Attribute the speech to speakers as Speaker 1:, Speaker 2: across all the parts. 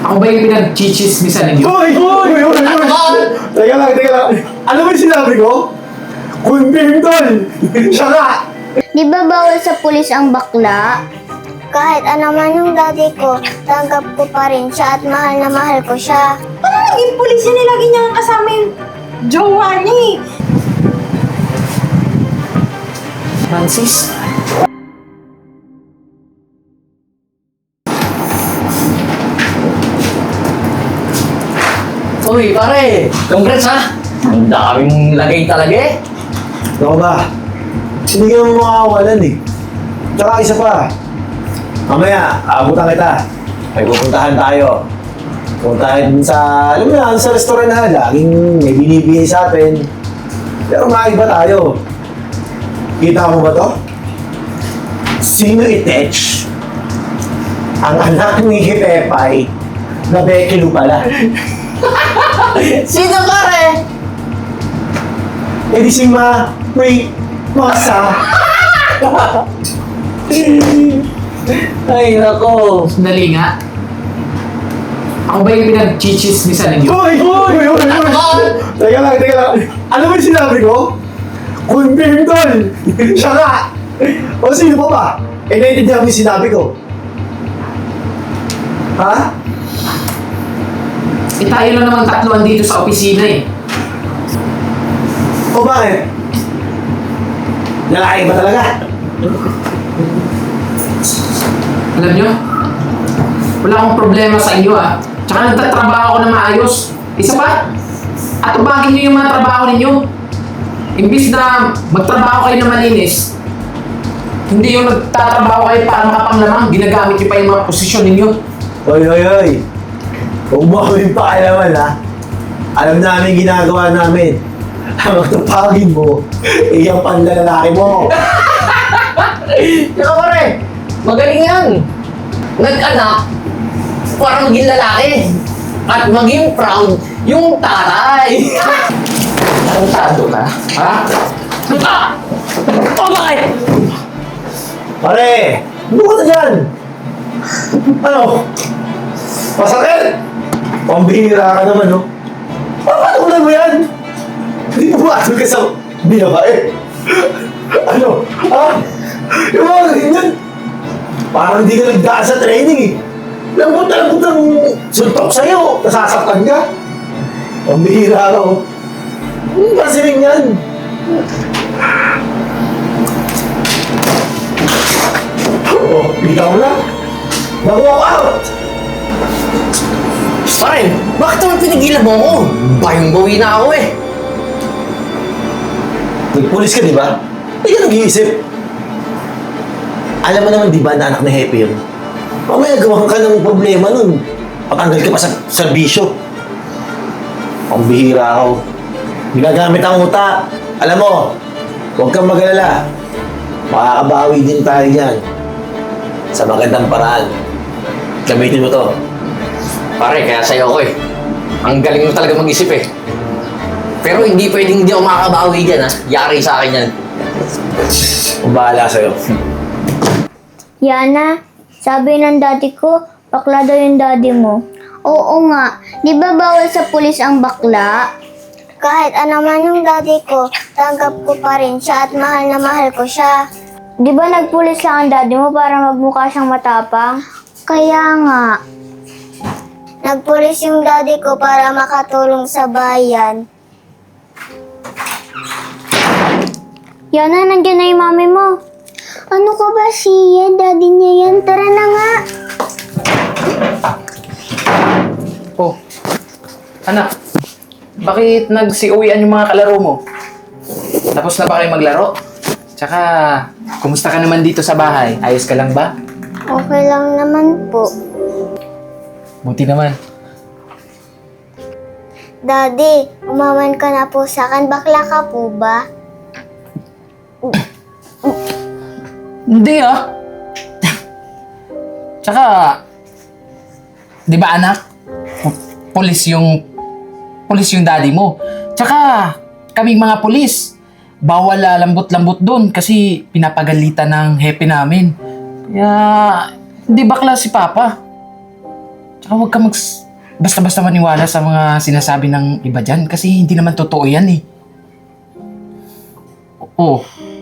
Speaker 1: Ako ba yung pinag-chichismisan ninyo?
Speaker 2: Hoy! Teka lang. Ano ba yung sinabi ko? Confirm, tol! Siya nga!
Speaker 3: Di ba bawal sa pulis ang bakla? Kahit ano man yung daddy ko, tanggap ko pa rin siya at mahal na mahal ko siya.
Speaker 4: Paano naging pulis yan? Lagi niya kasama yung jowa niya eh.
Speaker 1: Francis?
Speaker 5: Uy, pare! Congrats ha! Ang daming lagay talaga eh.
Speaker 2: Ako ba? Hindi ka mo makawalan eh. Tsaka isa pa. Mamaya, abutan kita. May pupuntahan tayo. Puntahan sa, alam mo na, sa restaurant na, laging may binibigay sa atin. Pero maiba tayo. Kita mo ba to? Sino itech? Ang anak ni Pepay na Becky Lu pala.
Speaker 5: Sino pare?
Speaker 2: Eh di si Masa.
Speaker 5: Ay, nako.
Speaker 1: Sandali nga. Ako ba yung pinag-chichismisan ninyo?
Speaker 2: Hoy! Teka lang. Ano ba yung sinabi ko? Confirm, tol! Siya nga! O sino pa ba? Eh, naiintindihan mo yung sinabi ko. Ha?
Speaker 1: Eh tayo lang naman tatluan dito sa opisina eh.
Speaker 2: O bakit? Lalaki ba talaga?
Speaker 1: Alam nyo, wala akong problema sa inyo ah. Tsaka nagtatrabaho ako na maayos. Isa pa, atubagin nyo yung mga trabaho ninyo. Imbis na magtrabaho kayo na malinis, hindi yung nagtatrabaho kayo para makapanglamang, ginagamit nyo pa yung mga posisyon ninyo.
Speaker 2: Hoy! Huwag mo kami pakialaman, ha? Alam namin ginagawa namin. Ang matapagin mo, iyang panlalaki mo.
Speaker 5: Tsaka pare, magaling yan. Nag-anak para maging lalaki. At maging proud yung tatay. Tarantado ka? Ha? O bakit?
Speaker 2: Pare, ano ka na dyan? Ano? Masakit? Pambihira ka naman, no? Papatulan mo yan? Hindi mo matol ka sa binabae. Ano? Ha? Yung mga ganyan. Parang hindi ka nagdaan sa training eh. Lambot ng suntok sa'yo. Nasasaktan ka. Pambihira ka, oh. Ano ba siling yan? Oh, bitaw na. Nag-walk out!
Speaker 5: Pare, bakit naman pinigilan mo ako? Bayong-bawi na ako eh.
Speaker 2: Nagpulis ka, di ba? Hindi ka nag-iisip. Alam mo naman, di ba, na anak na Happy yun? Mamaya gawa ka ng problema nun. Patanggal ka pa sa serbisyo. Ang bihira ako. Ginagamit ang utak. Alam mo, huwag kang mag-alala. Makakabawi din tayo yan. Sa magandang paraan. Gamitin mo to.
Speaker 5: Pare, kaya sa'yo ako eh. Ang galing mo talaga mag-isip eh. Pero hindi pwedeng hindi ako makakabawi dyan ha. Yari sa akin yan.
Speaker 2: Kung bahala sa'yo.
Speaker 3: Yana, sabi ng daddy ko, bakla daw yung daddy mo. Oo nga, di ba bawal sa pulis ang bakla? Kahit ano man yung daddy ko, tanggap ko pa rin siya at mahal na mahal ko siya. Di ba nagpulis lang ang daddy mo para magmukha siyang matapang? Kaya nga. Nagpulis yung daddy ko para makatulong sa bayan. Yana, nandiyan na yung mami mo. Ano ka ba siya? Daddy niya yan. Tara na nga.
Speaker 1: Oh, anak, bakit nagsi-uwian yung mga kalaro mo? Tapos na ba kayo maglaro? Tsaka, kumusta ka naman dito sa bahay? Ayos ka lang ba?
Speaker 3: Okay lang naman po.
Speaker 1: Buti naman.
Speaker 3: Daddy, umaman ka na po sa akin. Bakla ka po ba?
Speaker 1: Hindi ah. Tsaka, di ba anak? Pulis yung daddy mo. Tsaka, kaming mga pulis, bawal lambot-lambot doon kasi pinapagalitan ng happy namin. Kaya, hindi bakla si Papa. Tsaka huwag ka basta-basta maniwala sa mga sinasabi ng iba dyan kasi hindi naman totoo yan eh. Oo.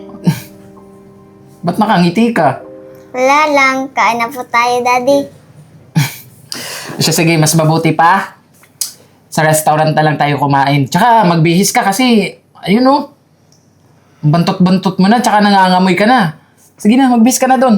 Speaker 1: Ba't nakangiti ka?
Speaker 3: Wala lang, kain na po tayo, Daddy.
Speaker 1: Siya, sige, mas mabuti pa. Sa restaurant na lang tayo kumain. Tsaka magbihis ka kasi, ayun oh. Bantot-bantot mo na, tsaka nangangamoy ka na. Sige na, magbihis ka na doon.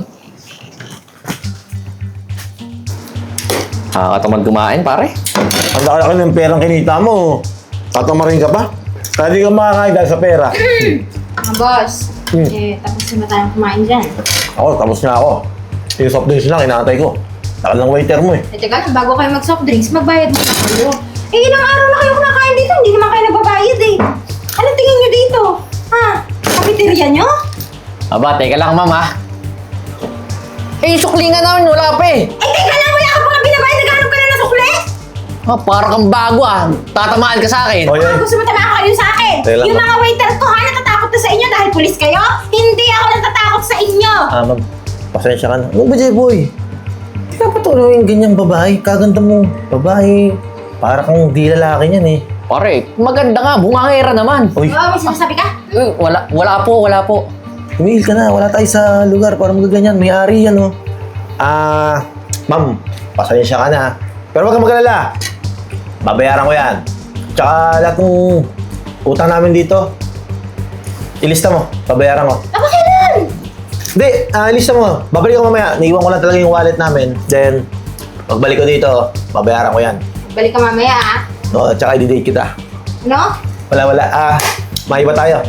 Speaker 5: Nakakatamad kumain, pare.
Speaker 2: Ang laki ng perang kinita mo. Tatamarin ka pa? Kaya di ka makakain dahil sa pera.
Speaker 4: Boss, tapos na tayong kumain dyan.
Speaker 2: Ako, tapos na ako. Yung soft drinks lang, inaantay ko. Takal ng waiter mo eh.
Speaker 4: Teka lang, bago kayo mag-soft drinks, magbayad muna kayo. Ilang araw na kayo kumakain dito, hindi naman kayo nagbabayad eh. Ano tingin nyo dito? Ha? Cafeteria nyo?
Speaker 5: Aba, teka lang, ma'am, ha? Eh, yung suklingan namin, wala pa eh.
Speaker 4: Teka lang, wala ka pa nga binabayad, naghanap ka na ng sukli?
Speaker 5: Parang kang bago, Tatamaan ka sa akin.
Speaker 2: Oy,
Speaker 4: Gusto mo tamaan kayo sa akin?
Speaker 2: Teka lang,
Speaker 4: Yung
Speaker 2: ma'am.
Speaker 4: mga waiter ko ha, natatakot na sa inyo dahil pulis kayo? Hindi ako natatakot sa inyo!
Speaker 2: ma'am. Pasensya ka na. Ano ba, J-boy? Di ka pa tuloy yung ganyang babae. Kaganda mo. Babae. Para kang di lalaki niyan eh.
Speaker 5: Pare, maganda nga, bungangera naman.
Speaker 2: Uy,
Speaker 4: Oh, may sinasabi ka?
Speaker 5: Wala po.
Speaker 2: tumigil ka na. Wala tayo sa lugar para magaganyan. May ari yan, oh. Ma'am, pasensya ka na. Pero huwag kang mag-alala. Babayaran ko yan. Tsaka lahat ng utang namin dito, ilista mo. Babayaran ko.
Speaker 4: Kailan?
Speaker 2: Hindi, ilista mo. Babalik ko mamaya. Naiwan ko lang talaga yung wallet namin. Then, pagbalik ko dito, babayaran ko yan.
Speaker 4: Balik ka mamaya ha?
Speaker 2: No, tsaka i-date kita.
Speaker 4: Ano?
Speaker 2: Wala. Maiba tayo.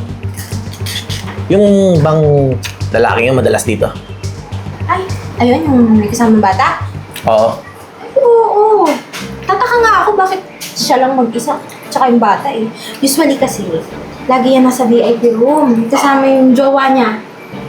Speaker 2: Yung bang lalaki yung madalas dito?
Speaker 4: Ay, ayun yung may kasamang bata?
Speaker 2: Oo.
Speaker 4: Oo. Tataka nga ako bakit siya lang mag-isa. Tsaka yung bata eh. Usually kasi, lagi yan nasa VIP room. Kasama yung jowa niya.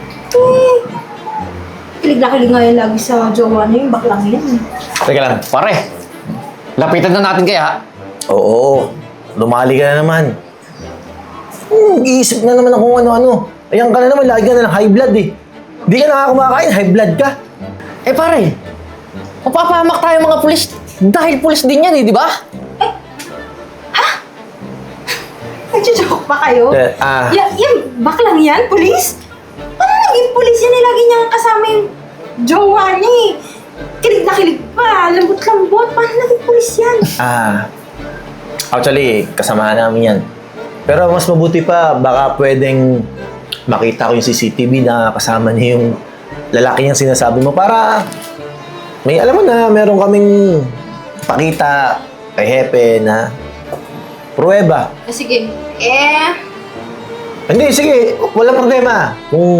Speaker 4: Kilig na kilig ngayon lagi sa jowa niya yung baklang yan.
Speaker 2: Teka lang.
Speaker 5: Pare, lapitan na natin kaya.
Speaker 2: Oo. Lumali ka na naman. Iisip na naman ako ano-ano. Ayan ka na naman, lagi ka na ng high blood eh. Di ka nakakumakain, high blood ka.
Speaker 5: Eh pare, mapapahamak tayo mga pulis dahil pulis din yan di ba?
Speaker 4: Nagsijoke pa kayo? Yan, baklang yan, pulis? Paano naging pulis yan eh? Lagi niyang kasama yung jowa niya eh. Kilig na kilig pa, lambot-lambot. Paano naging pulis yan?
Speaker 2: Actually, kasamahan namin yan. Pero mas mabuti pa, baka pwedeng makita ko yung CCTV na kasama niya yung lalaki niyang sinasabi mo para may alam mo na meron kaming pakita kay Hepe na pruweba.
Speaker 4: Sige,
Speaker 2: Hindi, sige, walang problema.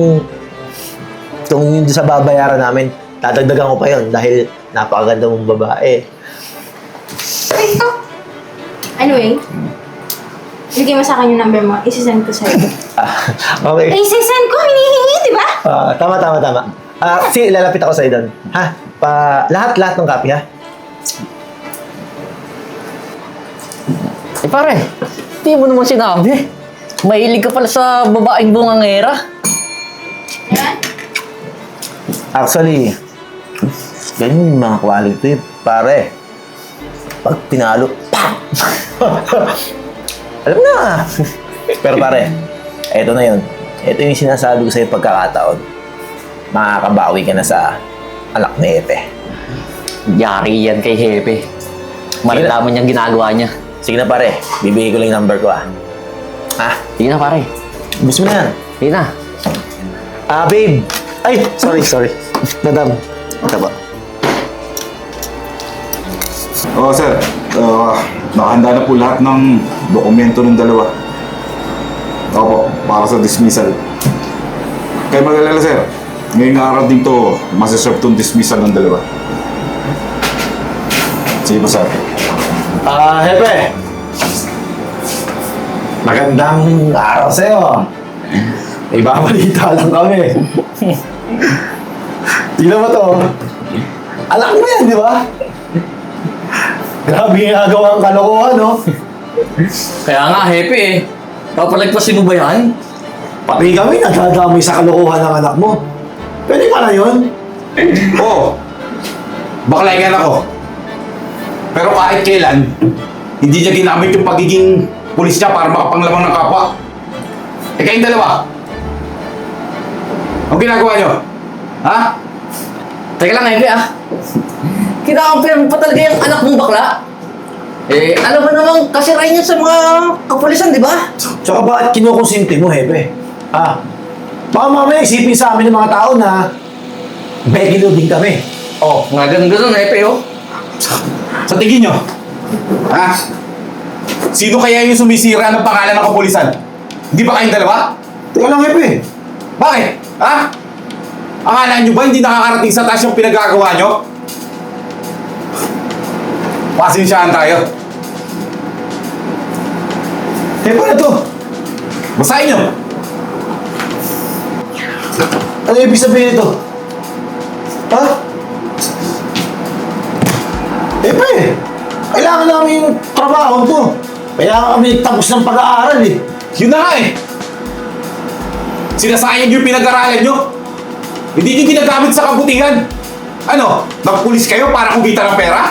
Speaker 2: Kung yun sa babayaran namin, dadagdagan ko pa yun dahil napakaganda mong babae.
Speaker 4: ito. Anyway, bigay mo sa akin yung number mo, isisend ko sa'yo.
Speaker 2: Okay.
Speaker 4: Isisend ko, hinihingi, di ba?
Speaker 2: Tama. Sige, lalapit ako sa'yo doon. Ha? Lahat ng copy, ha?
Speaker 5: Eh pare, di mo naman sinabi. Mahilig ka pala sa babaeng bungangera.
Speaker 4: Yan.
Speaker 2: Actually, ganyan yung mga quality, pare. Pag pinalo, pa! Alam na! Pero pare, eto na yun. Ito yung sinasabi ko sa'yo pagkakataon. Makakabawi ka na sa anak ni Epe.
Speaker 5: Yari yan kay Hepe. Malalaman niyang ginagawa niya.
Speaker 2: Sige na pare, bibigay ko lang yung number ko ha.
Speaker 5: Sige na pare.
Speaker 2: Gusto mo na yan?
Speaker 5: Sige na.
Speaker 2: Babe! Ay, sorry. Madam, ito ba?
Speaker 6: Oo, sir. Nakahanda na po lahat ng dokumento ng dalawa. Opo, para sa dismissal. Kaya mag-alala, sir. Ngayong araw din to, masiserve tong dismissal ng dalawa. Sige po, sir.
Speaker 2: Hepe! Magandang araw sa'yo. May babalita lang kami. Tignan mo to. Anak mo yan, di ba? Grabe yung gagawang kalokohan, no?
Speaker 5: Kaya nga, Hepe Papalagpasin mo ba yan?
Speaker 2: Pati kami nadadamay sa kalokohan ng anak mo. Pwede pala yun?
Speaker 6: Oo. Bakla yan ako. Pero kahit kailan, hindi niya ginamit yung pagiging pulis niya para makapanglamang ng kapwa. Eh kayong dalawa, ang ginagawa niyo? Ha?
Speaker 5: Teka lang, Hepe ah. Kinakampihan mo pa talaga yung anak mong bakla. Eh, alam mo namang kasirain yan sa mga kapulisan, di ba?
Speaker 2: Tsaka bakit kinukonsinti mo, Hepe? Baka mamaya isipin sa amin ng mga tao na begilo din kami.
Speaker 5: Oh, nga ganun-ganun, Hepe oh.
Speaker 6: Sa tingin niyo, ha? Sino kaya yung sumisira ng pangalan ng kapulisan? Hindi ba kayong dalawa?
Speaker 2: Teka lang, Hepe.
Speaker 6: Bakit? Ha? Akala nyo ba hindi nakakarating sa taas yung pinagagawa nyo? Pasensyahan tayo.
Speaker 2: Paano to?
Speaker 6: Basahin nyo.
Speaker 2: Ano ibig sabihin ito? Ha? Hepe, kailangan namin yung trabaho to. Kaya kami tapos ng pag-aaral eh.
Speaker 6: Yun na nga eh. Sinasayang yung pinag-aralan nyo. Hindi nyo ginagamit sa kabutihan. Ano? Nagpulis kayo para kumita ng pera?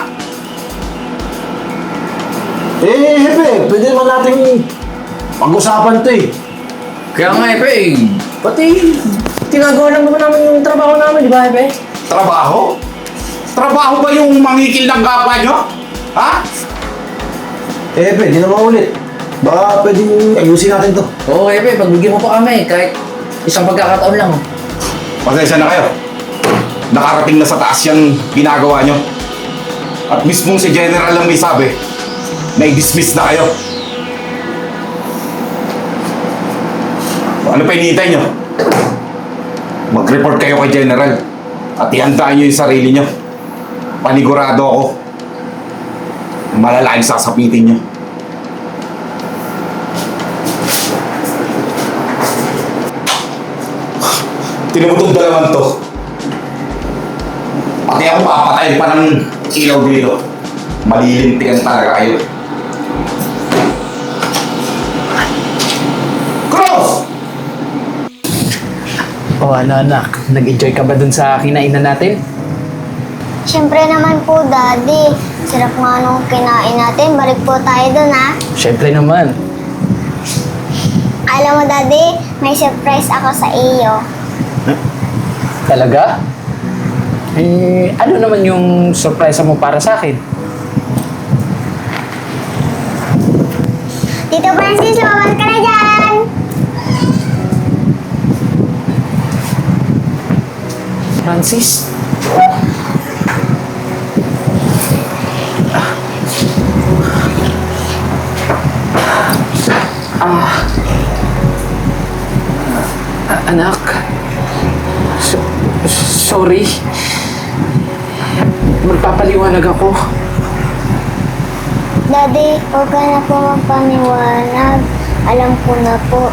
Speaker 2: Hepe, pwede naman natin pag-usapan to eh.
Speaker 5: Kaya nga, Hepe eh. Pati, tinagawa lang naman namin yung trabaho namin, di ba, Hepe?
Speaker 6: Trabaho? Trabaho ba yung mangikil ng kapwa nyo? Ha?
Speaker 2: Hepe, di naman ulit. Baka pwedeng ayusin natin to.
Speaker 5: Oo, Hepe, pagbigyan mo pa kami, kahit isang pagkakataon lang.
Speaker 6: Pasensya na kayo. Nakarating na sa taas yung ginagawa nyo. At mismong si General lang may sabi na i-dismiss na kayo. Ano pa hinihintay nyo? Mag-report kayo kay General at ihandaan nyo yung sarili nyo. Panigurado ako. Malala yung sasapitin nyo. Tinumutong dalaman to. Pati ako papatayin pa ng ilaw dito. Malilintikan talaga kayo. Cross!
Speaker 1: O ano anak, nag-enjoy ka ba dun sa kinainan natin?
Speaker 3: Siyempre naman po, Daddy. Sarap nga nung kinain natin. Balik po tayo dun, ha?
Speaker 1: Siyempre naman.
Speaker 3: Alam mo, Daddy, may surprise ako sa iyo.
Speaker 1: Talaga? Eh, ano naman yung surprise mo para sa akin?
Speaker 3: Tito Francis, lumabas ka na dyan!
Speaker 1: Francis? Anak. Sorry. Magpapaliwanag ako.
Speaker 3: Daddy, huwag ka na po magpaniwanag. Alam ko na po.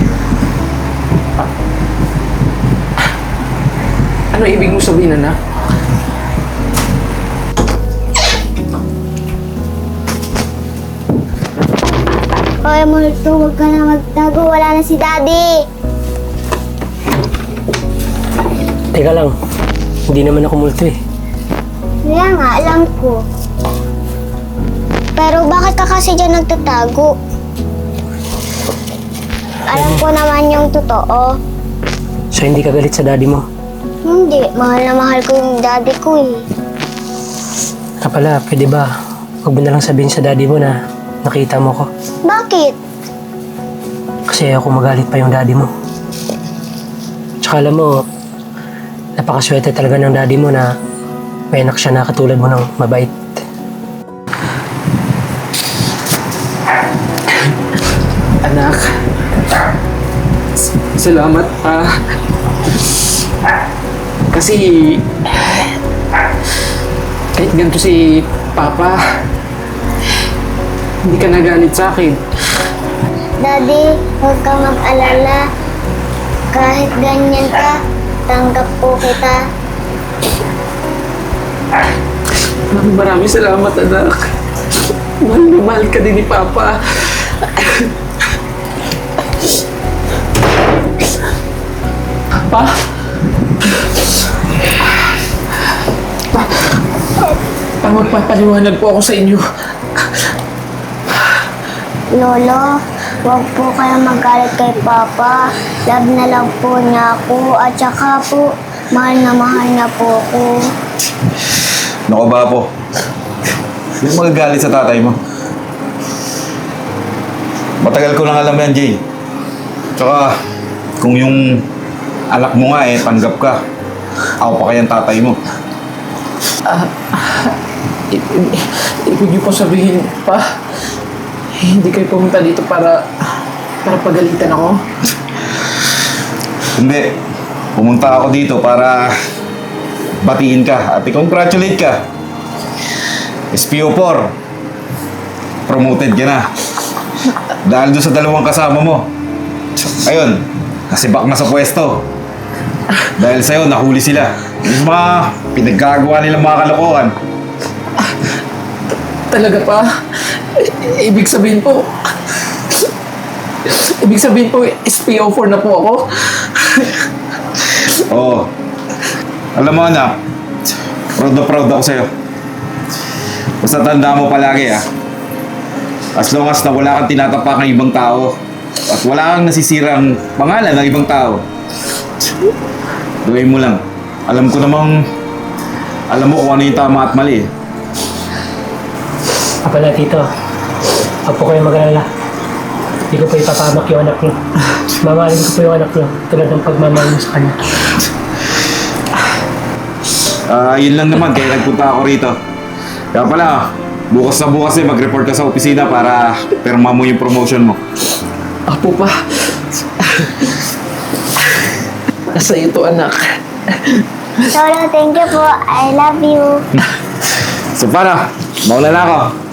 Speaker 1: Ano ibig mo sabihin, anak?
Speaker 3: Kaya mo ito, huwag ka na magtago. Wala na si Daddy.
Speaker 7: Teka lang, hindi naman ako multo eh.
Speaker 3: Kaya nga, alam ko. Pero bakit ka kasi dyan nagtatago? Alam ko naman yung totoo.
Speaker 7: So hindi ka galit sa daddy mo?
Speaker 3: Hindi, mahal na mahal ko yung daddy ko eh.
Speaker 7: Pala, pwede ba? Huwag mo na lang sabihin sa daddy mo na nakita mo ko.
Speaker 3: Bakit?
Speaker 7: Kasi ako magalit pa yung daddy mo. Tsaka alam mo, napakaswerte talaga ng daddy mo na may anak siya na katulad mo ng mabait.
Speaker 1: Anak. Salamat pa. Kasi kahit ganito si Papa, hindi ka nagalit sa akin.
Speaker 3: Daddy, huwag kang mag-alala. Kahit ganyan ka, tanggap po kita.
Speaker 1: Maraming salamat, anak. Mahal na mahal ka din ni Papa. Pa? magpapaliwanag po ako sa inyo.
Speaker 3: Lolo, huwag po kayo magalit kay Papa. Love na lang po niya ako at saka po, mahal na mahal niya po ako.
Speaker 6: Naku ba po? Huwag magagalit sa tatay mo. Matagal ko nang alam yan, Jay. Tsaka, kung yung anak mo nga tanggap ka, ako pa kayang tatay mo.
Speaker 1: Ibig niyo po sabihin pa, hindi kayo pumunta dito para pagalitan ako?
Speaker 6: Hindi. Pumunta ako dito para batiin ka at i-congratulate ka. SPO4, promoted ka na. Dahil doon sa dalawang kasama mo. Ayun, nasibak na sa pwesto. Dahil sa'yo, nahuli sila. Yung mga pinaggagawa nilang mga kalokohan.
Speaker 1: Talaga pa? Ibig sabihin po, SPO4 na po ako?
Speaker 6: Oo. Alam mo anak, proud na proud ako sa'yo. Basta tanda mo palagi as long as na wala kang tinatapak ng ibang tao at wala kang nasisirang pangalan ng ibang tao, gawin mo lang. Alam mo kung ano yung tama at mali.
Speaker 7: Pala tito, huwag po kayo mag-alala. Hindi ko po ipapamak yung anak niyo. Mamahalin ko po yung anak niyo tulad ng pagmamahal niyo sa kanya.
Speaker 6: Yun lang naman, kaya nagpunta ako rito. Kaya pala, bukas mag-report ka sa opisina para perma mo yung promotion mo.
Speaker 1: Apo pa. Nasa iyo to, anak.
Speaker 3: Lolo, thank you po. I love you.
Speaker 6: So paano? Mauna na ako.